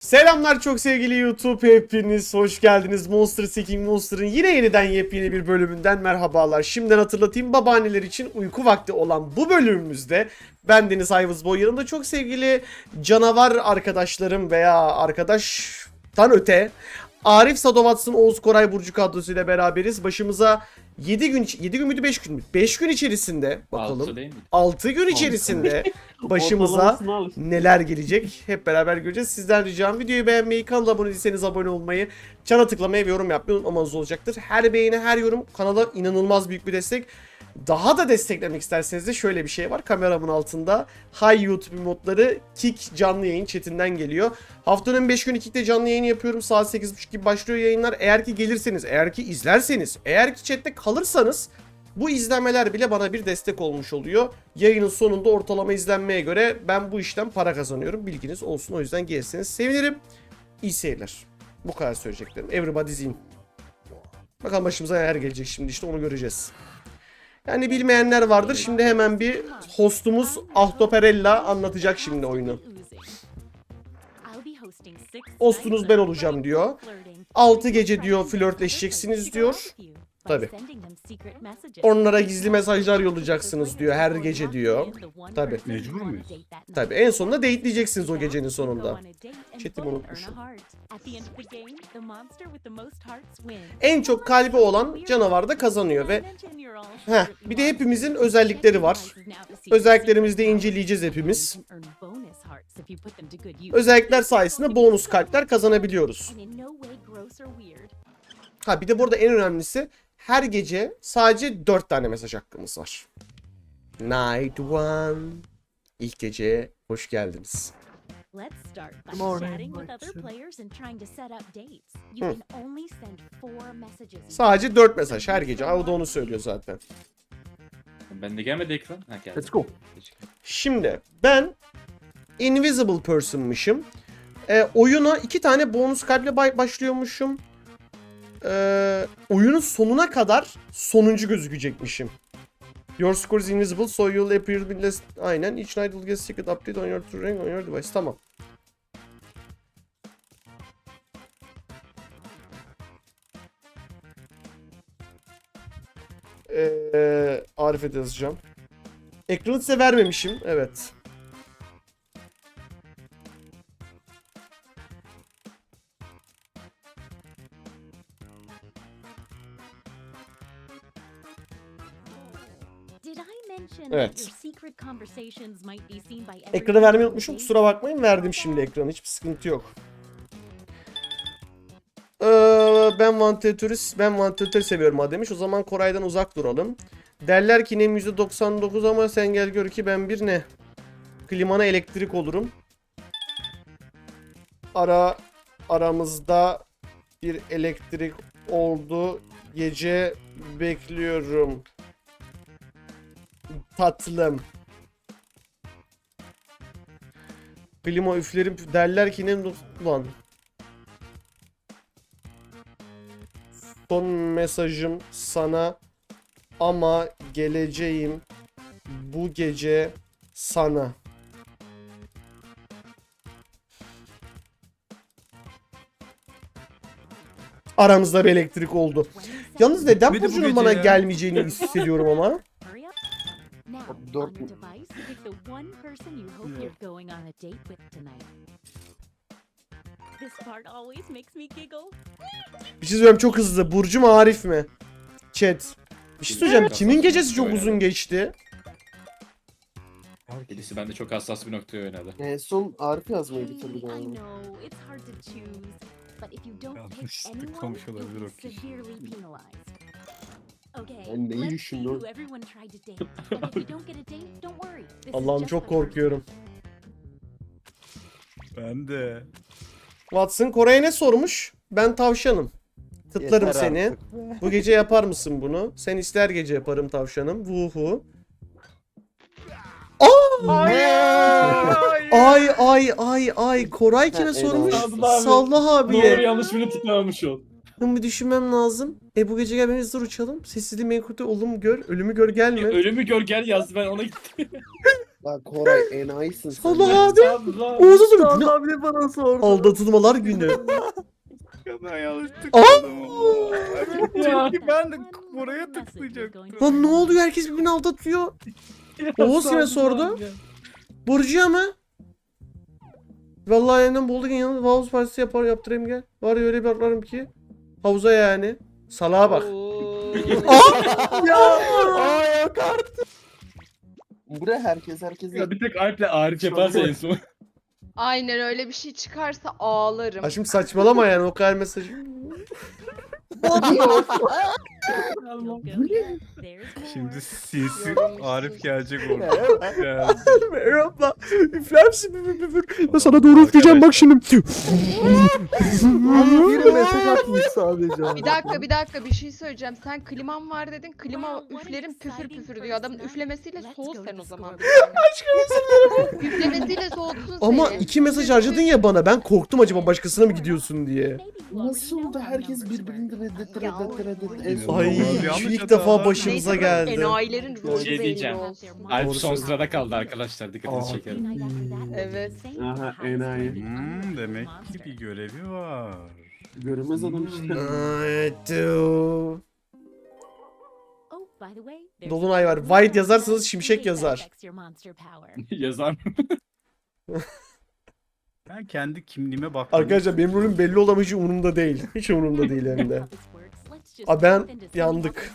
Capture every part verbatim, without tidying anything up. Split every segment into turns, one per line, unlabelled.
Selamlar çok sevgili YouTube, hepiniz hoş geldiniz. Monster Seeking Monster'ın yine yeniden yepyeni bir bölümünden merhabalar. Şimdiden hatırlatayım, babaanneler için uyku vakti olan bu bölümümüzde ben Deniz Ayvızboy, yanımda çok sevgili canavar arkadaşlarım veya arkadaştan öte Arif Sadovatsın, Oğuz Koray Burcu kadrosuyla beraberiz. Başımıza yedi gün, yedi gün müydü beş gün mü? beş gün içerisinde bakalım. altı gün içerisinde başımıza neler gelecek hep beraber göreceğiz. Sizden ricam videoyu beğenmeyi, kanala abone değilseniz abone olmayı, çana tıklamayı ve yorum yapmayı unutmamanız olacaktır. Her beğeni, her yorum kanala inanılmaz büyük bir destek. Daha da desteklemek isterseniz de şöyle bir şey var. Kameramın altında Hi YouTube modları Kick canlı yayın chatinden geliyor. Haftanın beş günü Kick'te canlı yayın yapıyorum. Saat sekiz buçuk gibi başlıyor yayınlar. Eğer ki gelirseniz, eğer ki izlerseniz, eğer ki chatte kalırsanız bu izlenmeler bile bana bir destek olmuş oluyor. Yayının sonunda ortalama izlenmeye göre ben bu işten para kazanıyorum. Bilginiz olsun, o yüzden gelirseniz sevinirim. İyi seyirler. Bu kadar söyleyeceklerim. Everybody's in. Bakalım başımıza neler gelecek şimdi, işte onu göreceğiz. Yani bilmeyenler vardır. Şimdi hemen bir hostumuz Ahtoperella anlatacak şimdi oyunu. Hostunuz ben olacağım diyor. altı gece diyor flörtleşeceksiniz diyor. Tabi. Onlara gizli mesajlar yollayacaksınız diyor her gece diyor. Tabi.
Mecbur muyuz?
Tabi. En sonunda date'leyeceksiniz o gecenin sonunda. Chat'imi unutmuşum. En çok kalbi olan canavar da kazanıyor ve heh, bir de hepimizin özellikleri var. Özelliklerimizi de inceleyeceğiz hepimiz. Özellikler sayesinde bonus kalpler kazanabiliyoruz. Ha bir de burada en önemlisi, her gece sadece dört tane mesaj hakkımız var. Night one. İlk geceye hoş geldiniz.
Let's start by chatting with other players and trying to set up dates. You can only send four messages.
Sadece dört mesaj her gece. O da onu söylüyor zaten.
Ben de gelmedi ekran. Ha geldi.
Let's go. Şimdi ben Invisible Person'mışım. Ee, oyuna iki tane bonus kalple başlıyormuşum. Ee, oyunun sonuna kadar sonuncu gözükecekmişim. Your score is invisible so you'll appear with less... Aynen. Each night will get secret update on your terrain on your device. Tamam. Ee, Arif'e de yazacağım. Ekranı size vermemişim. Evet. Evet. Ekranı vermeyi unutmuşum. Kusura bakmayın. Verdim şimdi ekranı. Hiçbir sıkıntı yok. Ee, ben vantilatörü ben vantilatörü seviyorum ha demiş. O zaman Koray'dan uzak duralım. Derler ki nem yüzde doksan dokuz ama sen gel gör ki ben bir ne? Klimana elektrik olurum. Ara aramızda bir elektrik oldu. Gece bekliyorum. Tatlım. Klima üflerim derler ki ne lan. Son mesajım sana ama geleceğim bu gece sana. Aramızda bir elektrik oldu. Yalnız neden
Bir de bu
Burcu'nun
gece
bana
ya.
gelmeyeceğini hissediyorum ama.
Dört.
Bir şey söyleyeyim, çok hızlı. Burcu mu Arif mi? Chat. Bir şey söyleyeceğim. Kimin gecesi çok uzun geçti?
Birisi bende çok hassas bir noktaya oynadı.
En son Arif yazmayı bitirdi galiba.
Yanlış olabilir o kişi.
Ben neyi düşündüm?
Allah'ım çok korkuyorum.
Ben de.
Watson Koray'a ne sormuş? Ben tavşanım. Tıtlarım
Yeter
seni.
artık.
Bu gece yapar mısın bunu? Sen ister gece yaparım tavşanım. Vuhu. Ay ay ay ay. Koray kime
Ha,
sormuş?
eyvallah.
Sallah
Doğru
abiye.
yanlış bile tıklamamış ol.
Bunu bir düşünmem lazım. E bu gece gel beni hızlı uçalım. Sessizliği menkute olum gör. Ölümü gör gelme.
Ölümü gör gel yazdı, ben ona gittim.
Bak Koray enayisin sen.
Allah abi.
Allah.
Oğuz'a sor. Bu ne?
Allah bile bana sordu.
Aldatılmalar günü.
Ben yanlış
Aa!
tıkladım.
Ya.
Çünkü ben de buraya tıklayacaktım.
Lan ne oluyor? Herkes birbirini aldatıyor. Oğuz yine sordu. Burcu'ya mı? Vallahi yeniden bulduk yanında havuz partisi yapar yaptırayım gel. Var ya öyle bir atlarım ki. Havuza yani. Salağa bak.
Ya. Aa yok artık.
Buraya herkes herkes.
Ya bir tek Alp'le Arif yaparsa en son.
Aynen öyle bir şey çıkarsa ağlarım.
Ha şimdi saçmalama yani o kadar mesaj.
Şimdi sinsi Arif gelecek orada. Yani.
Merhaba. Üfler misin? Üfür, üfür. Ben sana doğru üfleyeceğim bak şimdi.
Bir mesaj atmış sadece.
Bir dakika bir dakika bir şey söyleyeceğim. Sen kliman var dedin. Klima üflerim püfür püfür diyor. Adamın üflemesiyle soğut sen o zaman. Aşkım Üflemesiyle soğutsun
Ama
seni.
iki mesaj harcadın ya bana. Ben korktum acaba başkasına mı gidiyorsun diye.
Nasıl oldu? Herkes birbirini reddet reddet reddet. En son
Ay
Yanlış
şu ilk
hatalar.
defa başımıza
Neyse,
geldi.
Enayilerin rolü
Şey
belli
diyeceğim.
olsun.
Alp
Doğru
son
söylüyorsun.
sırada kaldı arkadaşlar. Dikkatinizi
Aa.
çekerim.
Evet.
Aha, enayi.
Hmm, demek ki bir görevi var.
Görünmez adam işte.
Ay, du.
Oh, by the way, there's
Dolunay var.
a
White yazarsanız
that
şimşek yazar.
affects your monster power.
Yazar.
Ben kendi kimliğime baktım.
Arkadaşlar benim rolüm belli olan hiç umurumda değil. Hiç umurumda değil hem de. Aa, ben yandık.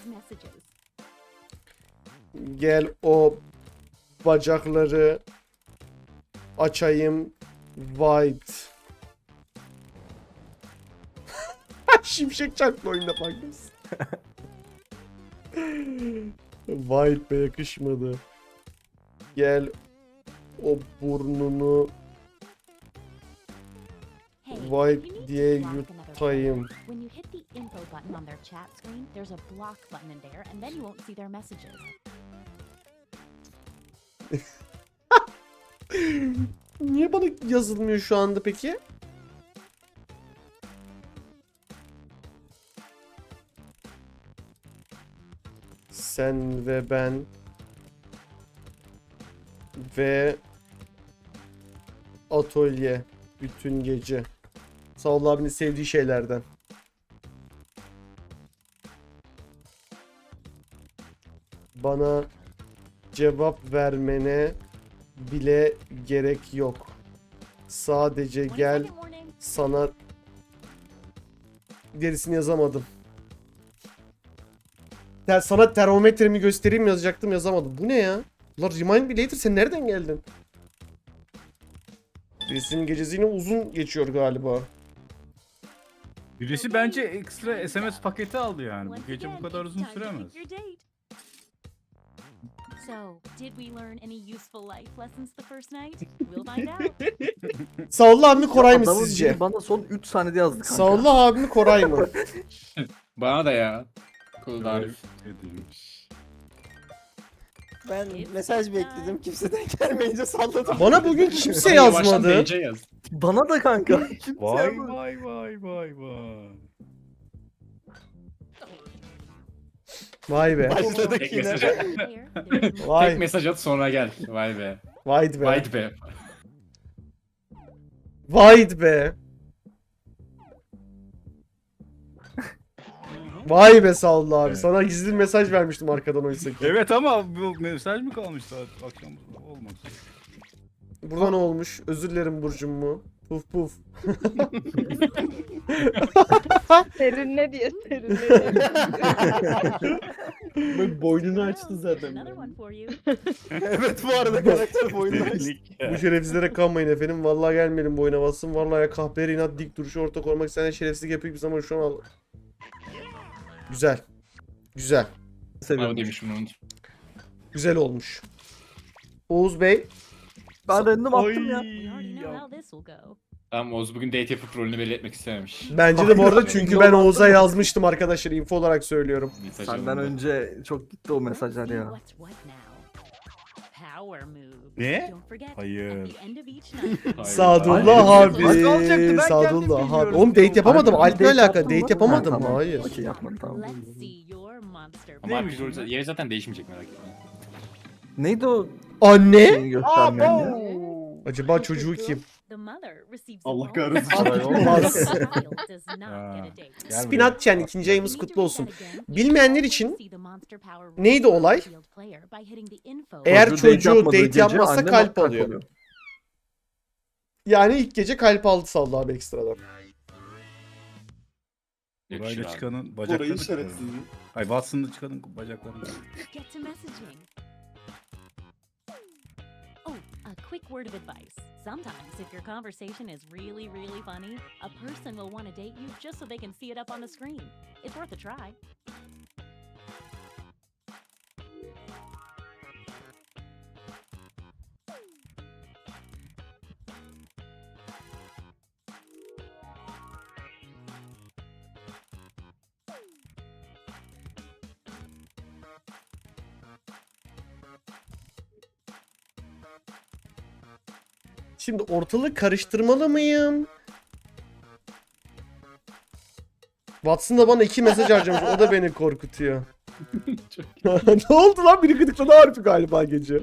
Gel o bacakları açayım. White. Şimşek çarptı oyunda farkındasın. White be yakışmadı. Gel o burnunu White diye yutayım.
When you hit the info button on their chat screen, there's a block button in there, and then you won't see their messages.
Niye bana yazılmıyor şu anda peki? Sen ve ben ve atölye bütün gece. Sağ ol abinin sevdiği şeylerden. Bana cevap vermene bile gerek yok. Sadece gel
twenty-second warning.
sana gerisini yazamadım. Ya sana termometremi göstereyim yazacaktım yazamadım. Bu ne ya? Ulan remind me later sen nereden geldin? Birisinin gecesi yine uzun geçiyor galiba.
Birisi bence ekstra S M S paketi aldı yani. Bu
Once
gece bu
again,
kadar
it's
uzun
time to
süremez.
pick your date. So, did we learn any useful life lessons the first night? We'll find out.
Sağollu abi mi Koray mı
Adamın
sizce?
biri bana son üç saniyede yazdı kanka.
Sağollu abi mi Koray mı?
Bana da ya. Kulda Arif.
Edilmiş.
Ben mesaj bekledim. Kimseden gelmeyince salladım.
Bana bugün kimse
Yavaştan
yazmadı.
D C yaz.
Bana da kanka. Kimse
Vay
yazmadı.
vay vay vay vay.
Vay be.
Başladık
Tek
yine.
mesaj at.
Player, there's more-
Vay.
Tek mesaj at sonra gel. Vay be.
Vay be.
Vay be.
Vay be. Vay be Sağollu abi.
Evet.
Sana gizli bir mesaj vermiştim arkadan oysa ki.
Evet ama bu mesaj mı kalmış saat akşam olmaz.
Burada ne olmuş? Özür dilerim Burcum mu? Puf puf.
Serinle diye serinle diye.
Böyle boynunu açtı zaten.
Another one for you.
Evet bu arada karakter boyundan açtı.
Delilik
Bu
ya.
şerefsizlere kanmayın efendim. Vallahi gelmeyelim bu oyuna bassın. Vallahi ya kahperi inat dik duruşu ortak olmak isteyen şerefsizlik yapıyor bir zaman şu an al. Güzel. Güzel.
Bravo
Seviyorum.
demişim onu.
Güzel olmuş. Oğuz Bey.
Ben random attım ya.
We already know how this will go.
Tamam Oğuz bugün date yapıp rolünü belli etmek istememiş.
Bence de bu arada çünkü ben Oğuz'a yazmıştım arkadaşlar. Info olarak söylüyorum.
Mesaj
Senden
alındı.
önce çok gitti o mesajlar
Let's see
ya.
what's what now. Power move.
Ne?
Don't forget,
Hayır.
at the end of each night,
Hayır.
Sadullah
Hayır,
abi.
nasıl olacaktı? Ben
Sadullah
kendim
abi.
bilmiyorum.
Oğlum date yapamadım.
Harbi,
Alp'le
date
alaka.
yaptın
Date
mı?
yapamadım.
Ha, tamam.
Hayır.
Okey yapmadım tamam.
let's see your monster
Ama abi
Neymiş
rol- yeri zaten değişmeyecek merak etme.
Neydi o
Anne?
Şeyini göstermeyen ya.
Acaba çocuğu kim?
The mother receives
Allah
a
kahretsin.
bonus.
Olay olmaz.
The child does not
Ha.
get a date.
Gel
Spinatchen
You
ikinci ayımız
need to
kutlu
read
olsun.
that again. You
Bilmeyenler
always
için
see the monster power
neydi olay?
revealed player by hitting the info.
Eğer
Çocuğu date
çocuğu
yapmadığı
date
gece
yapmazsa
annem
kalp alıyor. Yani ilk gece kalp aldı saldı abi ekstradan.
Yakışır
Burayla
abi.
çıkanın
Orayı
bacaklarını
işaretsiz.
kırarım. Ay Watson'da çıkanın bacaklarını.
Get to messaging. Oh, a quick word of advice. Sometimes if your conversation is really, really funny, a person will want to date you just so they can see it up on the screen. It's worth a try.
Şimdi ortalığı karıştırmalı mıyım? Watson da bana iki mesaj harcamış. O da beni korkutuyor. Ne oldu lan? Biri gıdıkladı harfi galiba gece.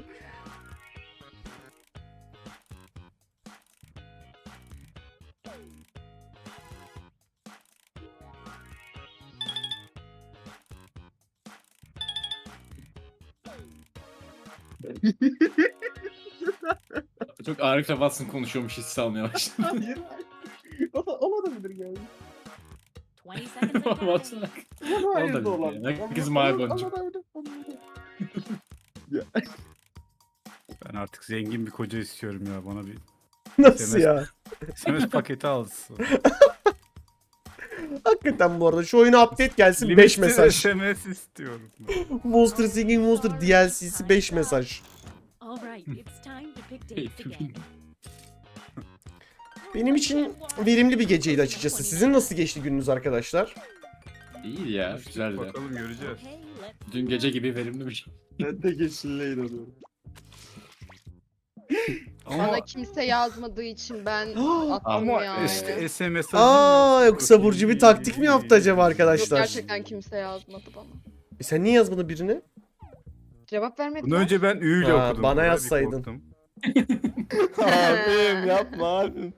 Çok Arif'le Watson konuşuyormuş hissi almaya başladım.
Hayır. O da olabilir yani.
twenty seconds and
Watson.
counting.
Ama hayır
Olabilir
da olabilir.
yani. Herkes
Ama-
mavi
ama-
boncuk.
ama- ama- ama-
Ben artık zengin bir koca istiyorum ya. Bana bir
Nasıl ya?
S M S paketi alsın.
Hakikaten bu arada şu oyuna update gelsin beş
Limitsiz
mesaj.
S M S istiyorum.
Monster Singing Monster D L C'si beş mesaj.
All right, it's time to pick dates again.
Benim için verimli bir geceydi açıkçası. Sizin nasıl geçti gününüz arkadaşlar?
İyi ya, güzeldi.
Bakalım göreceğiz.
Okay, let's
Dün gece gibi verimli bir şey.
Ben de geçinle inanıyorum.
Ama,
Bana kimse yazmadığı için ben attım
ama
yani.
işte S M S
Aa yoksa Burcu bir taktik mi yaptı acaba
Yok,
arkadaşlar?
gerçekten kimse yazmadı bana.
E sen niye yazmadın birini?
Cevap vermedi.
Bunu önce ben Ü ile
Ha,
okudum.
bana
Böyle bir
yazsaydın.
korktum.
Abim yapma abim.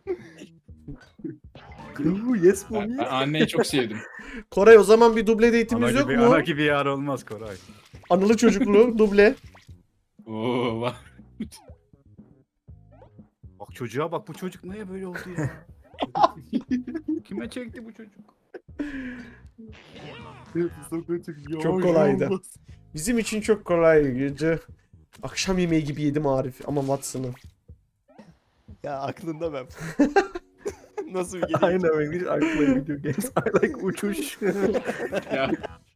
Yes
Ben,
mommy.
ben anneyi çok sevdim.
Koray o zaman bir duble
Ana
date'imiz yok
gibi,
mu?
ana gibi yar olmaz Koray.
Anılı çocuklu duble.
Oo, bak.
Bak çocuğa bak, bu çocuk neye böyle oldu ya? Kime çekti bu çocuk?
Çok kolaydı. Bizim için çok kolay gece. Akşam yemeği gibi yedim Arif ama Watson'ı.
Ya aklında ben. Nasıl bir gece?
Aynen öyle. Hiç aklıma video games. I like uçuş.
Ya,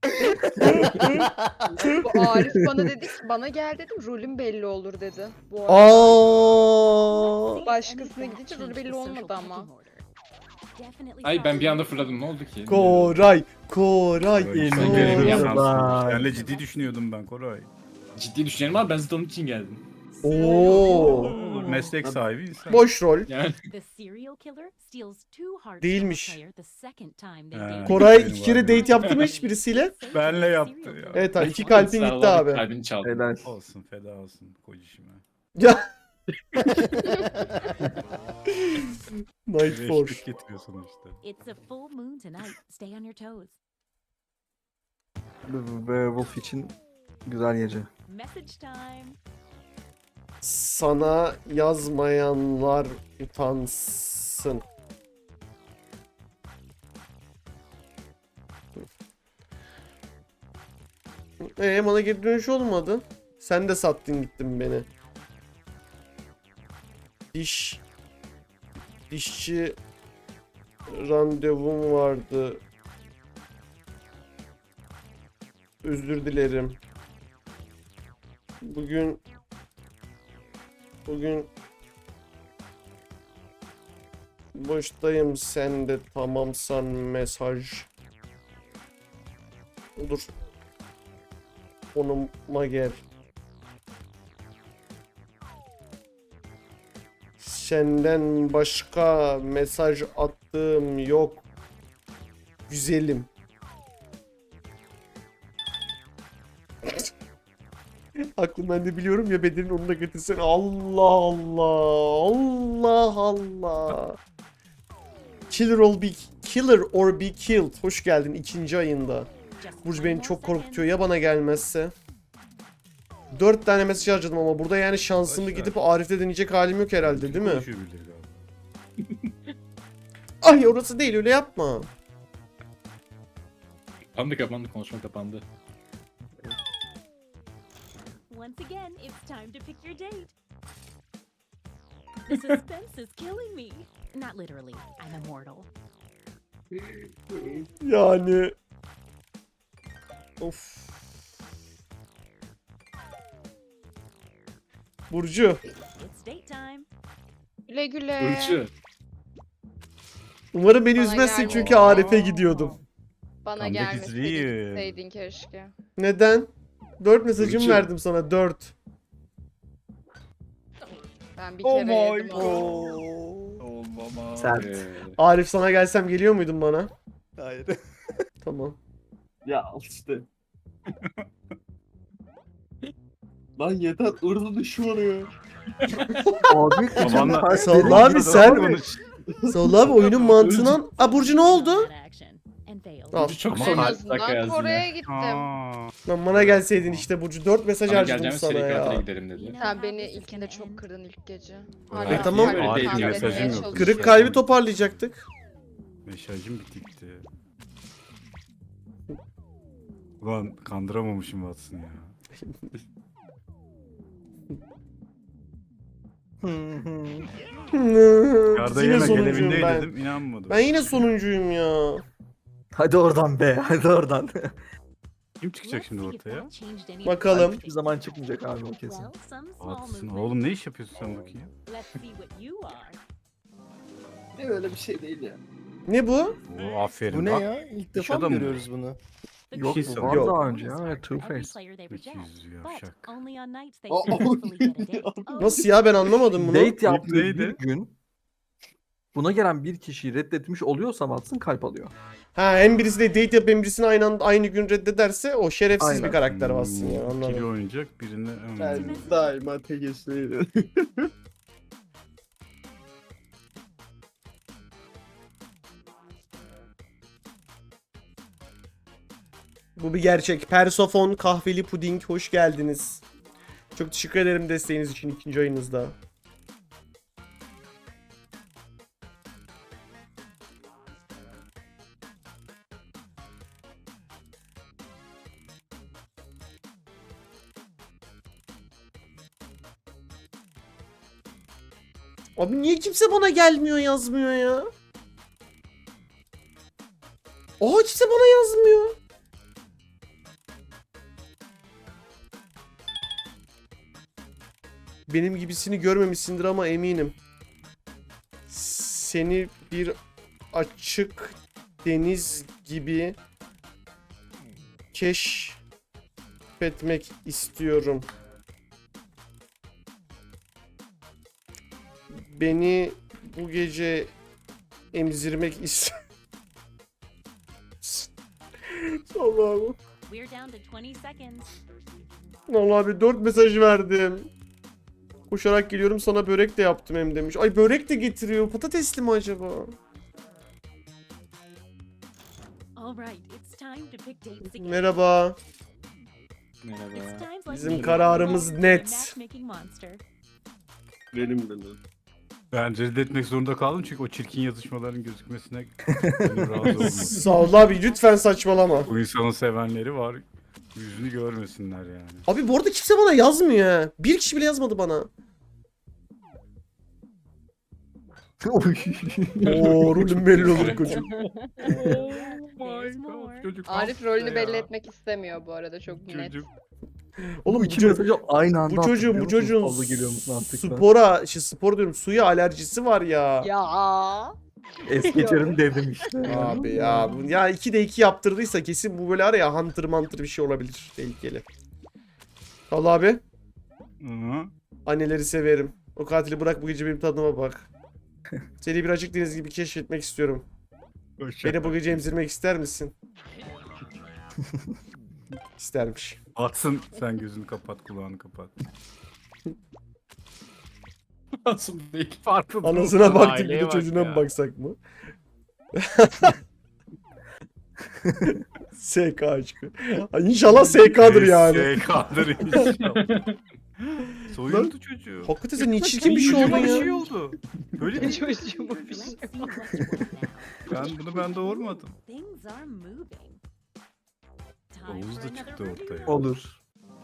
Bu Arif bana dedi ki, bana gel dedim rolüm belli olur dedi. Bu arada.
Aa.
Başkasına gidince rolü belli olmadı ama.
ay ben bir anda fırladım, ne oldu ki?
Koray, Koray,
Böyle
Koray.
sen görevini
Koray.
yaparsın. Benle ciddi düşünüyordum ben Koray.
Ciddi düşünelim abi, ben zaten onun için geldim.
Oo.
Olur, meslek sahibi insan.
Boş rol.
Yani
The serial killer steals two hearts
Değilmiş.
from a player the second time they
Ha.
date.
Koray
Benim
iki kere
var.
date yaptı mı hiç birisiyle?
Benle yaptı ya.
Evet abi iki kalbin gitti
Sağlam
abi.
Kalbini çaldı.
Helal.
Olsun, feda olsun kocişime.
Ya. Night Force.
Eşlik getiriyor sonuçta.
It's a full moon tonight. Stay on your toes.
Werewolf için güzel gece.
Message time.
Sana yazmayanlar utansın. Ee bana geri dönüş olmadı. Sen de sattın gittin beni. Diş dişçi randevum vardı. Özür dilerim. Bugün Bugün boştayım, sen de tamamsan mesaj. Dur. Konuma gel. Senden başka mesaj attığım yok. Güzelim. Aklım ben de biliyorum ya, bedenin onu da getirsen. Allah Allah. Allah Allah. Killer or be, killer or be killed. Hoş geldin ikinci ayında.
Just
Burcu
one
beni
more
çok
second.
korkutuyor ya bana gelmezse. Dört tane mesaj harcadım ama burada yani şansımı
Boş ver.
gidip Arif'te deneyecek halim yok herhalde, değil mi?
Konuşuyor birileri galiba.
Ay orası değil, öyle yapma.
Kapandı kapandı konuşma kapandı.
Once again, it's time to pick your date. The suspense is killing me. Not literally, I'm immortal.
Yani. Of. Burcu.
It's date time.
Güle güle.
Burcu.
Umarım beni
Bana
üzmezsin
gelme.
çünkü Arif'e gidiyordum.
Bana
Comeback is
gelmeseydin
real.
gitseydin keşke.
Neden? Dört mesajım
Burcu.
verdim sana, dört.
Ben bir
Oh
kere
my
yedim onu.
Olmama.
Sert.
Ee,
Arif sana gelsem geliyor muydun bana?
Hayır.
Tamam.
Ya al işte. Lan yeter ırdı düşmanı ya.
Abi
Babanla-
Salla abi sen. Salla abi oyunun mantığından. Aa Burcu ne oldu?
That action. And failed.
Al.
Burcu çok
Ama
son
En
dakika
azından
yazdı
Kore'ye
yine.
gittim.
Aa,
Lan bana gelseydin işte Burcu. Dört mesaj
Bana
harcadım
geleceğimiz
sana
seri katile
ya.
gidelim dedi.
Sen beni ilkinde çok kırdın ilk gece.
Evet,
tamam.
kalbimi
Öyle değil,
tamir
mesajım
etmeye
yok.
çalışıyorum.
Kırık kalbi toparlayacaktık.
mesajım bitikti. Ulan kandıramamışım Watson ya. Yarda
yine
yemek
sonuncuyum
elevinde
ben.
dedim inanmadım.
Ben yine sonuncuyum ya.
Hadi oradan be, hadi oradan.
Kim çıkacak şimdi
Let's see if
ortaya?
that changed any
Bakalım.
Hiçbir zaman çıkmayacak abi o kesin.
Well, some small
Watson
movement.
oğlum ne iş yapıyorsun sen bakayım?
Let's see what you are.
Ne öyle bir şey değil ya.
Ne bu?
Oo, aferin
Bu ne
bak.
ya? İlk
İş
defa mı
adamı.
görüyoruz bunu?
The
Yok,
good
bu
news
var
is
daha
bonus
önce ya,
card
evet,
for every
Two-Face.
player they
İki
reject,
yüz
but
yavşak.
only on nights they
Aa,
successfully get a date. Oh,
Nasıl ya, ben anlamadım bunu.
Date yaptığı
neydi?
bir gün buna gelen bir kişiyi reddetmiş oluyorsa Watson kalp alıyor.
Ha, hem birisi de date yapıp hem birisini aynı anda aynı gün reddederse o şerefsiz
Aynen.
bir karakter aslında ya,
Hmm, İkili
anladım.
oynayacak birini...
Ben
Hmm.
daima tek eşliydim.
Bu bir gerçek. Persofon kahveli puding, hoş geldiniz. Çok teşekkür ederim desteğiniz için ikinci ayınızda. Abi niye kimse bana gelmiyor, yazmıyor ya? Aa, kimse bana yazmıyor. Benim gibisini görmemişsindir ama eminim. Seni bir açık deniz gibi keşfetmek istiyorum. Beni bu gece emzirmek istiyorum. Allah'ım.
we're down to twenty seconds.
Vallahi abi dört mesaj verdim. Koşarak geliyorum, sana börek de yaptım hem demiş. Ay börek de getiriyor. Patatesli mi acaba?
All right, it's time to pick dates again.
Merhaba.
It's
Merhaba.
times like
Bizim
these
kararımız
that you're a
net.
matchmaking monster.
Benim de lan.
Ben reddetmek zorunda kaldım çünkü o çirkin yazışmaların gözükmesine gönül razı olmadı.
Sağ ol abi, lütfen saçmalama.
Bu insanın sevenleri var. Yüzünü görmesinler yani.
Abi bu arada kimse bana yazmıyor ha. Bir kişi bile yazmadı bana. Oo, rolüm belli olur koçum.
There's more.
Çocuk
Arif
hasta
rolünü
ya.
belli etmek istemiyor bu arada, çok net.
Çocuk.
Oğlum
Bu
bu,
iki
ço-
mesajı aynı anda
bu çocuğun
attı,
bu
biliyor musun?
çocuğun
Fazla geliyor musun mantıkla?
spora, şey spor diyorum, suya alerjisi var ya.
Ya.
Es geçerim dedim işte.
Abi ya, bu- ya iki de iki yaptırdıysa kesin bu böyle araya hunter manter bir şey olabilir, tehlikeli. Allah abi,
Hı.
anneleri severim. O katili bırak, bu gece benim tadıma bak. Seni bir açık deniz gibi keşfetmek istiyorum.
Hoşça
Beni bu
kal.
gece emzirmek ister misin? İstermiş.
Atsın sen gözünü kapat kulağını kapat.
Nasıl değil?
Farklı
Anasına
durumda,
baktık bir
aileye
de
bak
çocuğuna
ya.
mı baksak mı? S K aşkı. Ay, İnşallah S K'dır yani.
S K'dır inşallah. Soyuldu çocuğu.
Hakikaten sen niye çirkin bir şey oldun
Çocuğuma bir şey
ya.
oldu. Böyle değil.
Çocuğuma bir
Let's
şey.
see what's working.
Ben bunu ben doğurmadım.
Things are moving. Time
Oğuz
for
da
another
çıktı
review.
ortaya.
Olur.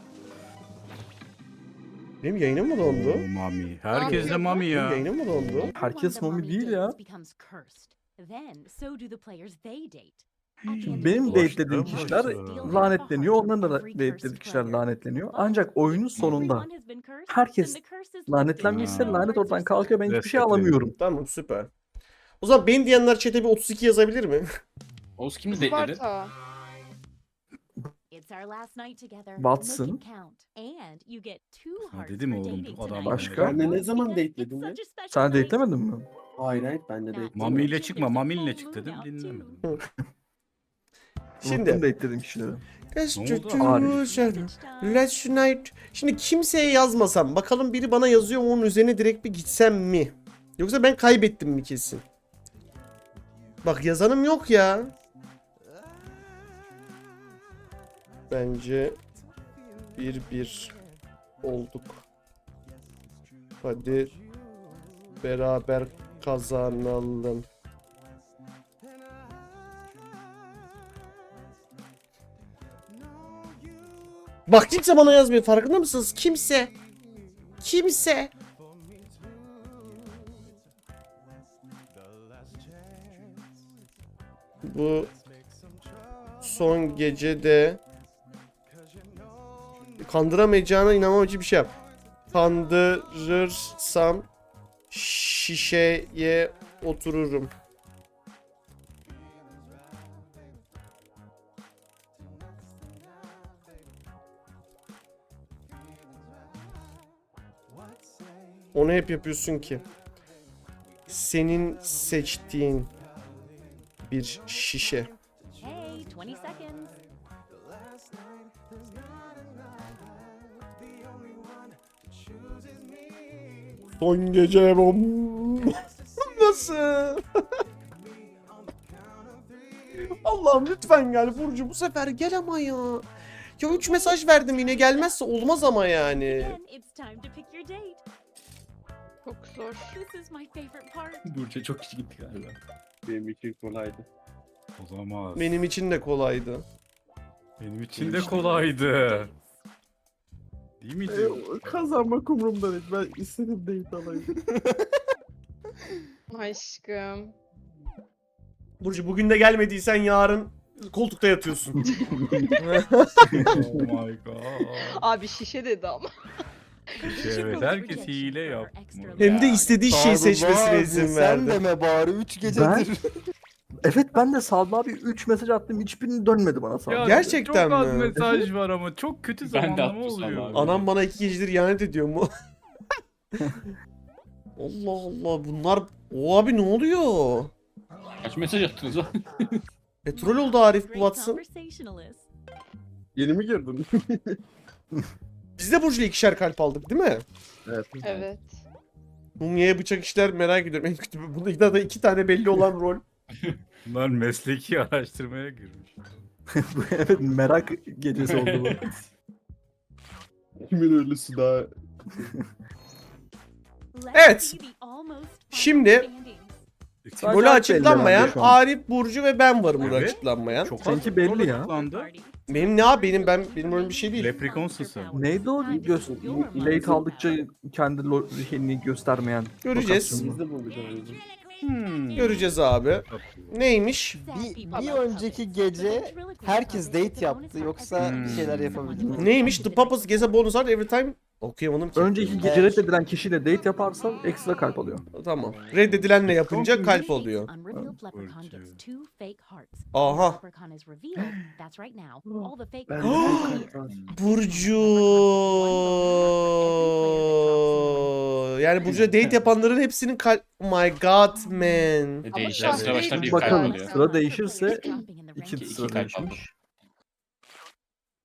Benim yayınım mı dondu?
Oo, mami. Herkes de mami
Benim
ya.
yayınım mı dondu?
Everyone
Herkes
the
mami
mummy
değil ya.
dates becomes cursed. Then so do the players they date. At the end of
Benim
the game,
date'lediğim
Başka
kişiler
başka.
lanetleniyor. Onların da date'lediği kişiler lanetleniyor. Ancak oyunun sonunda
Everyone has been cursed,
herkes
then the curse is
lanetlenmişse
Ha.
lanet oradan kalkıyor. Ben hiçbir şey
Resetleniyor.
alamıyorum.
Tamam süper. O zaman ben diyenler chat'e bir otuz iki yazabilir mi?
Oğuz kimi detledi?
Sparta.
It's our last night together.
Watson.
Make it count. And you get two
Ha,
hearts
dedim
for
oğlum,
dating
bu adam
tonight.
Başka?
Ben de ne zaman
Because
dateledin
it's
ya?
such a special
Sen
night.
date'lemedin mi?
Hayır hayır ben de değil.
Mami ile çıkma, mamiyle çık dedim, dinlemedim.
Şimdi
Unuttum date'lediğim kişileri.
let's
Ne oldu?
do
Arif.
together. Let's unite. Şimdi kimseye yazmasam bakalım biri bana yazıyor mu onun üzerine direkt bir gitsem mi? Yoksa ben kaybettim mi kesin? Bak yazanım yok ya. Bence bir bir olduk. Hadi beraber kazanalım. Bak kimse bana yazmıyor, farkında mısınız? Kimse. Kimse. Bu son gece de kandıramayacağına inanmam için bir şey yap. Kandırırsam şişeye otururum. Onu hep yapıyorsun ki. Senin seçtiğin bir şişe.
Hey, twenty seconds.
Son gece bom. Nasıl? Allah'ım lütfen gel Burcu, bu sefer gel ama ya. Ya üç mesaj verdim yine, gelmezse olmaz ama yani.
Again, it's time to pick your date.
Çok zor.
This is my favorite part.
Burç'a çok kişi gitti galiba.
Benim için kolaydı.
Olamaz.
Benim için de kolaydı.
Benim için de kolaydı. Değil mi?
E, kazanmak umurumda değil. Ben istedim date alayım.
Aşkım.
Burcu bugün de gelmediysen yarın koltukta yatıyorsun.
Oh my god.
Abi şişe dedi ama.
Evet, herkes hile yapma.
Hem de istediği şeyi seçmesine izin
Sen
verdi.
deme bari üç
Ben-
gecedir.
Evet ben de Salma abi üç mesaj attım. Hiçbirini dönmedi bana Salma.
Ya,
Gerçekten
çok az
mi?
mesaj var ama çok kötü
Ben de
zamanlama
attım sana
oluyor.
abi.
Anam bana iki gecedir ihanet ediyor mu? Allah Allah, bunlar... O abi ne oluyor?
Kaç mesaj attınız lan?
Petrol oldu Arif bu
Great
Watson.
conversationalist.
Yeni mi girdin?
Biz de Burcu'yla ikişer kalp aldık değil mi?
Evet.
Evet.
Mumya'ya bıçak işler merak ediyorum. En kötü bunda da iki tane belli olan rol.
Bunlar mesleki araştırmaya girmiş.
Evet merak gecesi oldu bu.
Kimin ölüsü daha...
Let's
Evet.
see the almost final
Şimdi-
standings.
Sadece
Rolü
Alp
açıklanmayan
belli herhalde şu an.
Arif, Burcu ve ben varım burada
Evet.
açıklanmayan.
Çok
Seninki
az
belli
rol
ya.
açıklandı.
Party.
Benim ne abi, benim ben benim öyle bir şey değil.
Leprechaun'sun sen.
Neydi o gö- late aldıkça kendi lo- şeyini göstermeyen
Göreceğiz.
lokasyonu?
Biz de bulacağız.
Hmm.
Göreceğiz abi. Neymiş?
Bir, bir önceki gece herkes date yaptı yoksa bir şeyler yapabildi mi?
Neymiş? The Papa's gets a bonus art every time. Okuyamadım ki.
Önceki gece reddedilen kişiyle date yaparsan ekstra kalp alıyor.
Tamam. Reddedilenle yapınca kalp oluyor.
Unrevealed leprechaun gets two fake hearts.
Aha.
When the leprechaun is revealed, that's right now. All the fake
Ben
hearts
de
disappear.
kalp var.
Burcu. Yani Burcu'ya date yapanların hepsinin kalp... Oh my god man.
E,
Ama
Değişen sıra başlar bir kalp
Bakalım
oluyor.
sıra değişirse
Camping in the
iki
rain.
İki
sıra
kalp aldım.
değişmiş.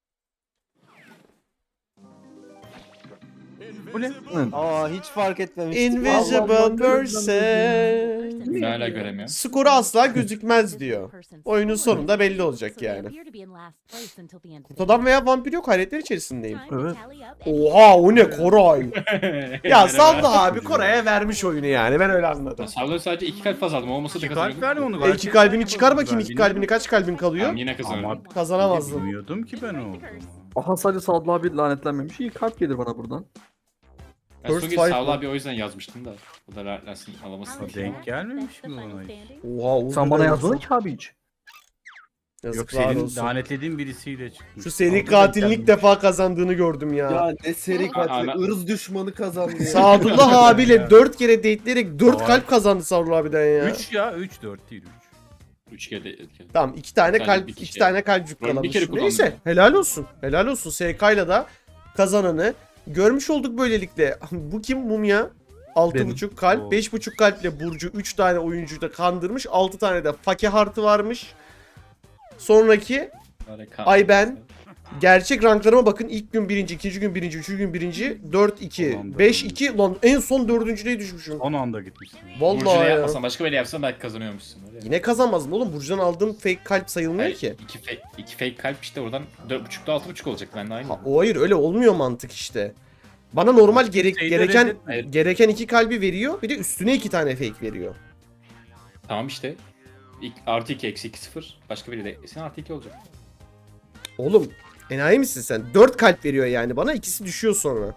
Bu ne?
Aa hiç fark etmemiştim.
Invisible
Allah,
person.
Ne hala göremiyorum.
Skoru asla gözükmez diyor. Oyunun sonunda belli olacak yani. Kurt adam veya vampir yok, hayretler içerisindeyim.
Evet.
Oha o ne Koray? Ya Salla abi Koray'a vermiş oyunu yani, ben öyle anladım.
Sağlığı sadece iki kalp fazla aldım. Olmasa da
İki kalp
kazanıyordum.
verme onu.
E iki kalbini çıkar bakayım, iki kalbini, kaç kalbin kalıyor?
Tamam, yine kazanıyorum.
Ama
Kazanamazdın.
bilmiyordum ki ben o.
Aha sadece Sadullah abi lanetlenmemiş. İyi kalp gelir bana buradan.
Ben
First
son
fight
kez Sağlı
mı?
abi o yüzden yazmıştım da. Bu da rahatlansın alamasın. diye.
Denk gelmemiş mi bana hiç?
Oha Uğur
Sen bana
Bey
yazmadın
yazdı.
ki abi hiç.
Yok
Yazıklar
senin
olsun.
lanetlediğin birisiyle çıkmış.
Şu seri
Orada denk
katilin ilk
gelmemiş.
defa kazandığını gördüm ya.
Ya ne seri katil.
Ana-
ırz düşmanı kazandı ya.
Sadullah abiyle dört kere dateleyerek dört
Vay.
kalp kazandı Sadullah abiden ya.
üç ya üç dört değil üç.
Üç kere de etken.
Tamam iki tane
Bir tane,
kalp,
bir
iki
kişi.
tane kalpcük
Ben bir
kalamış.
kere kullandım.
Neyse helal olsun. Helal olsun. S K'yla da kazananı görmüş olduk böylelikle. Bu kim Mumya? altı
Benim.
buçuk kalp,
Oo.
beş buçuk kalple Burcu üç tane oyuncuyu da kandırmış. altı tane de fakir artı varmış. Sonraki
Harika.
ay ben. Gerçek ranklarıma bakın. İlk gün birinci, ikinci gün birinci, üçüncü gün birinci, dört iki,
Ulan
beş
dördüncü.
iki. Lan en son dördüncüye düşmüşüm.
Son anda gitmişsin.
Vallahi
Burcu'na
ya.
yapmasan başka biri yapsan belki kazanıyormuşsun. Öyle.
Yine kazanmazdım oğlum. Burcu'dan aldığım fake kalp sayılmıyor
Hayır,
ki.
iki, fake, iki fake kalp işte oradan dört buçukta altı buçuk olacak. Ben de aynı.
Ha, o hayır öyle olmuyor mantık işte. Bana normal gerek,
Şeyde
gereken
reddetmeyin.
gereken iki kalbi veriyor. Bir de üstüne iki tane fake veriyor.
Tamam işte. İlk, artı iki eksi iki sıfır. Başka biri de sen artı iki olacak.
Oğlum enayi misin sen? dört kalp veriyor yani bana, ikisi düşüyor sonra.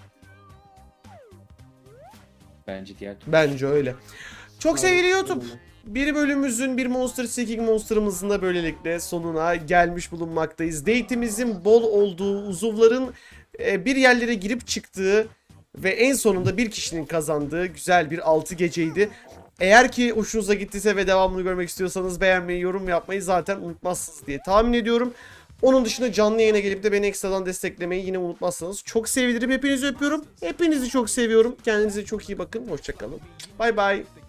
Bence diğer türlü.
Bence öyle. Çok sevgili YouTube. Bir bölümümüzün, bir Monster Seeking Monster'ımızın da böylelikle sonuna gelmiş bulunmaktayız. Date'imizin bol olduğu, uzuvların e, bir yerlere girip çıktığı ve en sonunda bir kişinin kazandığı güzel bir altı geceydi. Eğer ki hoşunuza gittiyse ve devamını görmek istiyorsanız beğenmeyi, yorum yapmayı zaten unutmazsınız diye tahmin ediyorum. Onun dışında canlı yayına gelip de beni ekstradan desteklemeyi yine unutmazsanız çok sevinirim. Hepinizi öpüyorum. Hepinizi çok seviyorum. Kendinize çok iyi bakın. Hoşçakalın. Bay bay.